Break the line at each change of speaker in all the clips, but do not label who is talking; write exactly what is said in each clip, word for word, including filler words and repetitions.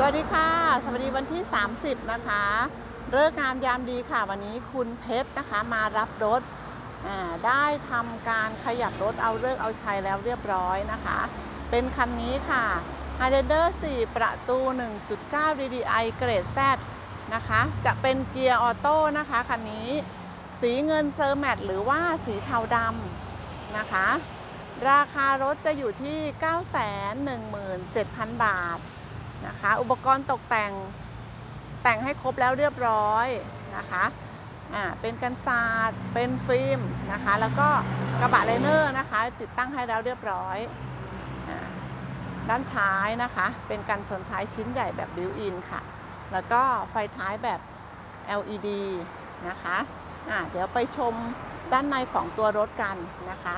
วัสดีค่ะสวัสดีวันที่สามสิบนะคะฤกษ์งามยามดีค่ะวันนี้คุณเพชรนะคะมารับรถได้ทำการขยับรถเอาฤกษ์เอาชัยแล้วเรียบร้อยนะคะเป็นคันนี้ค่ะ Highlander สี่ประตู หนึ่งจุดเก้า ดี ดี ไอ เกรด Z นะคะจะเป็นเกียร์ออโต้นะคะคันนี้สีเงินเซอร์แมตหรือว่าสีเทาดำนะคะราคารถจะอยู่ที่ เก้าแสนหนึ่งหมื่นเจ็ดพัน บาทนะคะอุปกรณ์ตกแต่งแต่งให้ครบแล้วเรียบร้อยนะคะอ่าเป็นกันศาสตร์เป็นฟิล์มนะคะแล้วก็กระบะไลเนอร์นะคะติดตั้งให้แล้วเรียบร้อยอ่าด้านท้ายนะคะเป็นกันชนท้ายชิ้นใหญ่แบบบิวอินค่ะแล้วก็ไฟท้ายแบบ แอล อี ดี นะคะอ่าเดี๋ยวไปชมด้านในของตัวรถกันนะคะ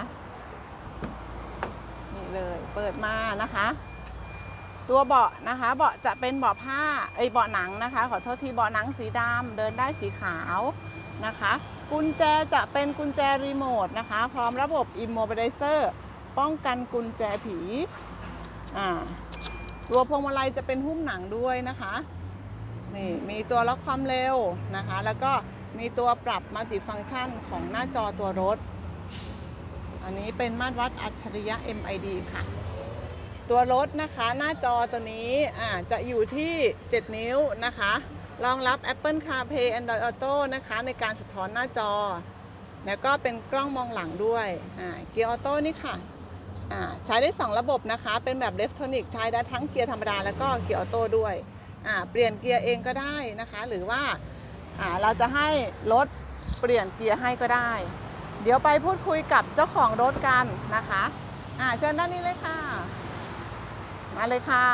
นี่เลยเปิดมานะคะตัวเบาะนะคะเบาะจะเป็นเบาะผ้าไอเบาะหนังนะคะขอโทษทีเบาะหนังสีดำเดินได้สีขาวนะคะกุญแจจะเป็นกุญแจรีโมทนะคะพร้อมระบบ Immobilizer ป้องกันกุญแจผีอ่าตัวพวงมาลัยจะเป็นหุ้มหนังด้วยนะคะนี่มีตัวล็อกความเร็วนะคะแล้วก็มีตัวปรับมัลติฟังก์ชันของหน้าจอตัวรถอันนี้เป็นมาตรวัดอัจฉริยะ เอ็ม ไอ ดี ค่ะตัวรถนะคะหน้าจอตัวนี้อ่าจะอยู่ที่เจ็ดนิ้วนะคะรองรับ Apple CarPlay Android Auto นะคะในการสะท้อนหน้าจอแล้วก็เป็นกล้องมองหลังด้วยอ่าเกียร์ออโต้นี่ค่ะอ่าใช้ได้สองระบบนะคะเป็นแบบ Electronic ใช้ได้ทั้งเกียร์ธรรมดาแล้วก็เกียร์ออโต้ด้วยอ่าเปลี่ยนเกียร์เองก็ได้นะคะหรือว่าอ่าเราจะให้รถเปลี่ยนเกียร์ให้ก็ได้เดี๋ยวไปพูดคุยกับเจ้าของรถกันนะคะอ่าเชิญด้านนี้เลยค่ะมาเลยค่ะ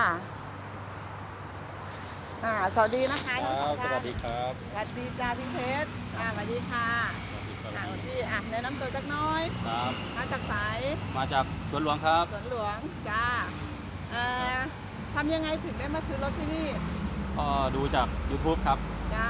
อ่าสวัสดีนะคะ
ครับสวัสดีครับ
สวัสดีจ้าพี่เพชรอ่าสวัสดีค่ะอ่าพี่อ่ะแนะนำตัวจักน้อย
ครับ
มาจากสาย
มาจากสวนหลวงครับ
สวนหลวงจ้าเอ่อทำยังไงถึงได้มาซื้อรถที่นี่
ก็ดูจาก YouTube ครับ
จ้า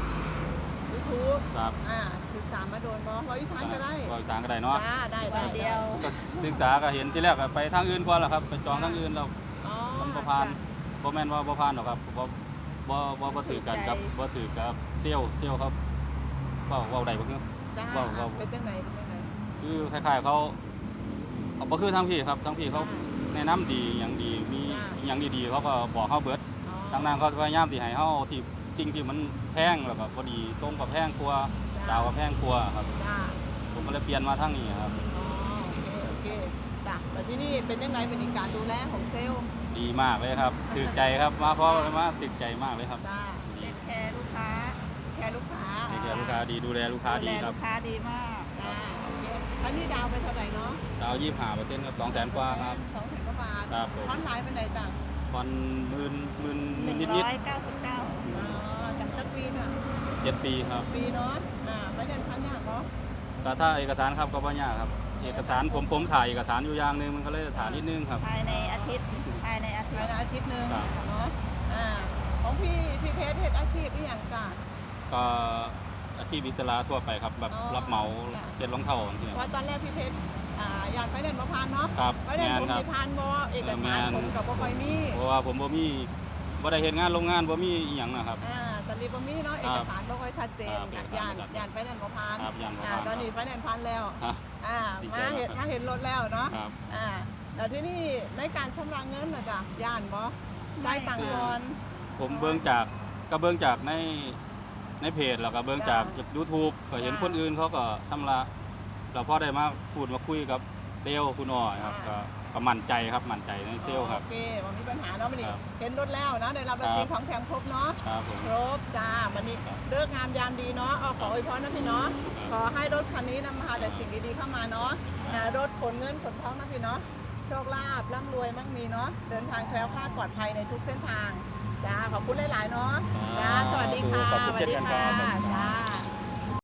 YouTube
ครับ
อ่าศึกษามาโดนบอเพราะอีสานก็ได้
ก็อีสานก็ได้เนาะ
จ้าได้ได้เดียว
ก็ศึกษาก็เห็นที่แรกไปทางอื่นก่อนแหละครับไปจองทางอื่นเรามันบ่ผ่านบ่แม่นว่าบ่ผ่านหรอกครับบ่บ่บ่บ่ถือกันครับบ่ถือกับเซี่ยวเซี่ยวครับเว้าเว้าได้บ่คือ
เว้าเว้าเป็นจังไหนเป็นจังไหน
คือคล้ายๆเขาเขาบ่คือทางพี่ครับทางพี่เขาแนะนำดีอย่างดีมีอย่างดีๆเขาก็บอกเฮาเบิดทางนั้นเขาพยายามสิให้เฮาที่สิ่งที่มันแพงแล้วก็พอดีตรงกับแพงกว่าดาวกับแพงกว่าครับผมก็เลยเปลี่ยนมาทางนี้ครับ
อ๋อโอเคโอเคจ้ะแล้วที่นี่เป็นยังไงเป็นการดูแลของเซลล์
ดีมากเลยครับติดใจครับมาเพราะว่าติดใจมากเลยครับ
จ้าเทคแคร์ลูกค้าแคร์ลูกค้า
เทคแคร์ลูกค้าดีดูแลลูกค้าดีครับ
ลูกค้าดีมากจ้าโอเคอันนี้ดาวไปเท่าไหร่เนาะ
ดาวยี่สิบห้าเปอร์เซ็นต์ครับสองแสนกว่าครับ
สองแสนกว่าบาท
ครับผม
ผ่อนหลายเป็นไหนจ้ะ
ผ่อนหมื่นหมื่น
นิดนิดร้อยเก้าสิบเก้าอ๋อจากจักปีจ้ะ
เจ็ดปีครับ
ปีเนาะอ่าไม่เดินพันยากเนาะ
ก็ถ้าเอกสารครับก็ไม่ยากครับเอกสารผมผมถ่ายเอกสารอยู่อย่างนึงมันก็เลยถ่ายนิดนึงครับ
ภายในอาทิตย์ภายในอาทิตย์ภายในอาทิตย์นึงเนาะอ่าของพี่พี่เพชรเฮ็ดอาชีพอีหยังจ้ะ
ก็อาชีพอิสระทั่วไปครับแบบรับเหมาเก็บรองเท้าอย่างเงี้ย
ว่าตอนแรกพี่เพชรอ่าอยากไปเดินบ่ผ่านเนาะ
ครับ
ไปเดินผมสิผ่านบ่เอกสารผมกับบ่ค่อยมี
เพราะว่าผมบ่มีบ่ได้เฮ็ดงานโรงงานบ่มีอีหยังนะครับ
อ่าตอนนี้บ่มีเนาะเอกสารบ่ค่อยชัดเจนย่านย่านไปเดินบ่ผ่าน
ครับย่านบ่
ผ่านตอนนี้ไปเดินผ่านแล้วอ่ามาเห็นมาเห็นรถแล้วเนาะอ่าแล้วที่นี่ในการชำระเงินน่ะจ้ะย่านบ่จ่ายตังค์ก่อน
ผมเบิ่งจากก็เบิ่งจากในในเพจแล้วก็เบิ่งจาก YouTube ก็เห็นคนอื่นเขาก็ชำระแล้วพอได้มาพูดมาคุยกับเซลล์คุณอ้อยครับก็ก็มั่นใจครับมั่นใจในเซลล์ครับ
โอเคมันมีปัญหาเนาะมันนี่เห็นรถแล้วนะได้รับรถจริงของแถมครบเนาะครบจ้ามันนี่เลิกงามยามดีเนาะเอาขออวยพรนะพี่เนาะขอให้รถคันนี้นำพาแต่สิ่งดีๆเข้ามาเนาะรถขนเงินขนทองนะพี่เนาะโชคลาภร่ำรวยมั่งมีเนาะเดินทางแคล้วคลาดปลอดภัยในทุกเส้นทางจ้าขอบคุณหลายๆเนาะจ้าสวัสดีค่ะสวัสดีค่ะจ้า